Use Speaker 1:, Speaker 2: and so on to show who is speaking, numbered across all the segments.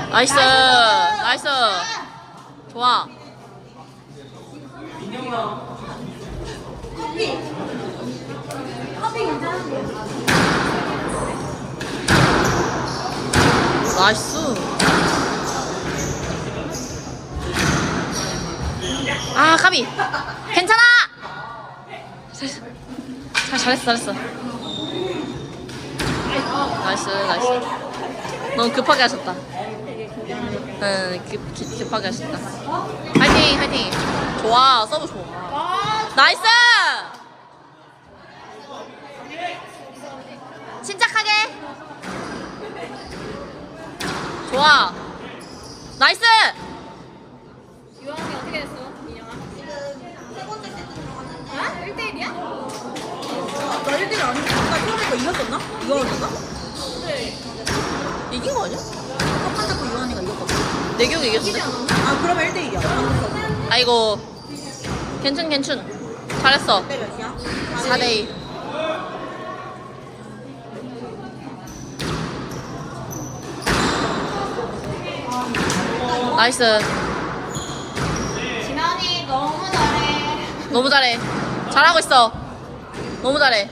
Speaker 1: 나이스. 나이스. 좋아. 나이스. 아, 까비. 괜찮아. 잘했어. 나이스. 너무 급하게 하셨다. 응, 급하게 하셨다. 화이팅. 좋아, 서브 좋아. 나이스. 침착하게. 좋아. 나이스.
Speaker 2: 유한이 어떻게 됐어? 민영아? 지금 세 번째 세트 들어갔는데. 아? 1대1이야?
Speaker 3: 나 1대1 아닌데? 나 처음에 거 이겼었나? 이거였나?
Speaker 2: 네.
Speaker 1: 이긴 거 아니야?
Speaker 3: 첫 번째 거 유한이가 이겼거든.
Speaker 1: 내 기억에 이겼는데?
Speaker 3: 아, 그러면 1대2야.
Speaker 1: 아이고. 괜춘. 잘했어.
Speaker 3: 때 몇이야?
Speaker 1: 4대2. 나이스.
Speaker 2: 진원이 너무 잘해.
Speaker 1: 너무 잘해. 잘하고 있어. 너무 잘해.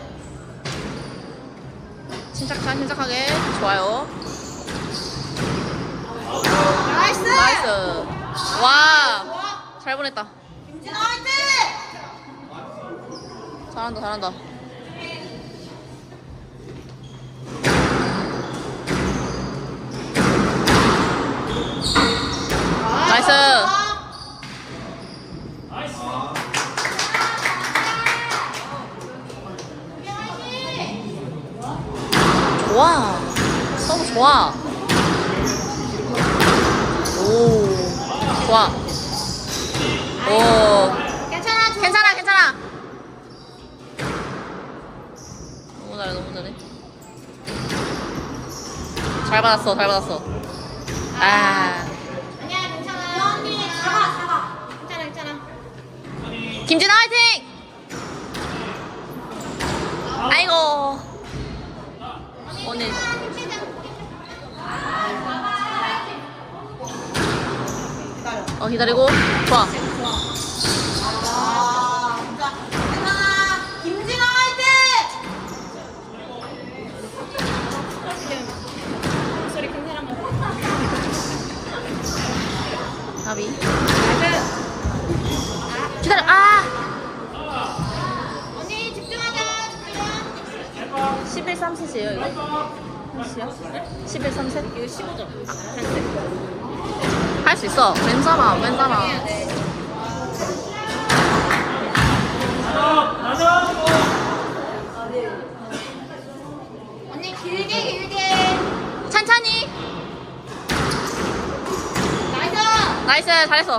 Speaker 1: 침착하게. 좋아요. 나이스. 와. 잘 보냈다.
Speaker 2: 김진아 화이팅!
Speaker 1: 잘한다. 나이스. 좋아. 너무 좋아. 오. 좋아. 오. 괜찮아. 너무 잘해. 잘 받았어. 아.
Speaker 2: 아니야 괜찮아. 언니 잡아. 괜찮아.
Speaker 1: 김진아 화이팅! 아이고. 오늘 기다리고 좋아.
Speaker 2: 아 진짜. 괜찮아. 김진아 화이팅! 소리 큰 사람만.
Speaker 1: 나비
Speaker 2: 나이스.
Speaker 1: 기다려.
Speaker 2: 언니 집중하자.
Speaker 1: 11 3셋이에요 이거? 몇이야? 11 3셋?
Speaker 2: 이거 15점.
Speaker 1: 할 수 있어. 괜찮아.
Speaker 2: 해야 돼. 언니 길게.
Speaker 1: 천천히. 나이스. 잘했어.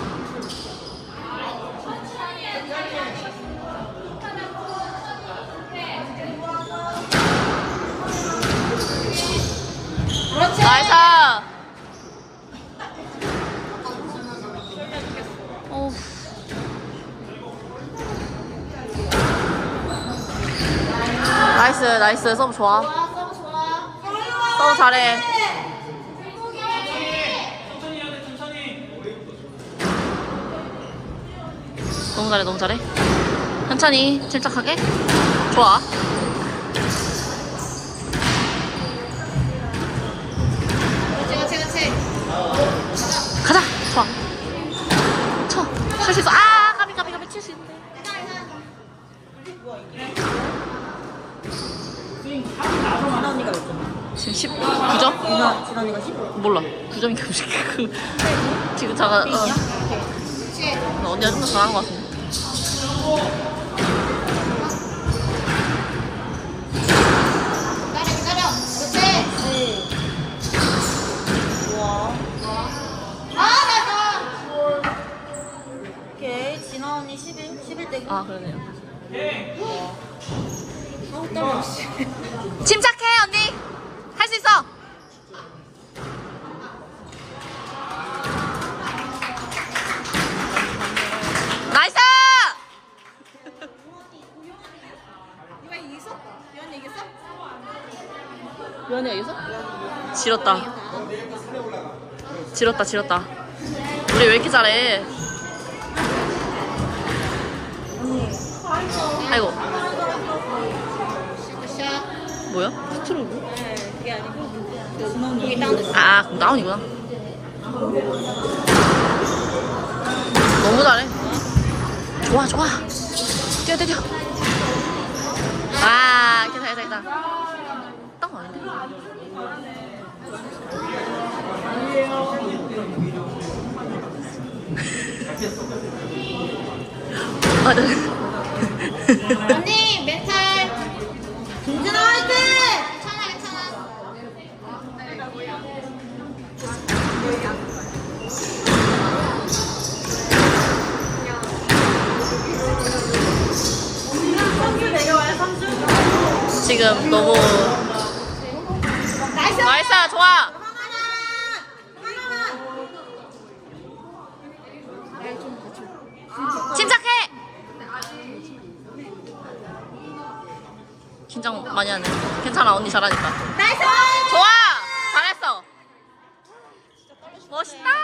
Speaker 2: 그렇지.
Speaker 1: 나이스. 오. 나이스. 서브 좋아.
Speaker 2: 서브 좋아.
Speaker 1: 서브 잘해. 너무 잘해. 천천히, 침착하게. 좋아.
Speaker 2: 그렇지.
Speaker 1: 가자. 좋아. 칠 수 있어. 가비 칠 수 있는데.
Speaker 3: 진아 언니가 몇 점?
Speaker 1: 지금 19점?
Speaker 3: 진아 언니가 10?
Speaker 1: 몰라. 9점인가 지금 자가 언니가 좀 더 잘하는 것 같은데.
Speaker 2: 기다려. 그렇지.
Speaker 3: 좋아.
Speaker 2: 나이스.
Speaker 3: 오케이. 진아 언니 11대 9.
Speaker 1: 그러네요.
Speaker 3: 아우, 떨려.
Speaker 1: 침착해 언니. 할 수 있어. 나이스. 유한이가 이겼어? 지렸다. 지렸다 지렸다. 우리 왜 이렇게 잘해? 아이고. 뭐야? 스트로브?
Speaker 3: 네, 그게 아니고
Speaker 2: 이게 다운.
Speaker 1: 아, 그럼 다운이구나. 너무 잘해. 좋아, 좋아. 뛰어, 뛰어, 뛰어. 아, 괜찮아, 괜찮아. 다운 아닌데? 아, 네.
Speaker 2: 언니 멘탈.
Speaker 3: 김진아 화이팅!
Speaker 2: 괜찮아 괜찮아.
Speaker 1: 지금 너무.
Speaker 2: 나이스.
Speaker 1: 나이스, 좋아. 침착해! 긴장 많이 하네. 괜찮아, 언니 잘하니까.
Speaker 2: 나이스.
Speaker 1: 좋아! 잘했어! 멋있다!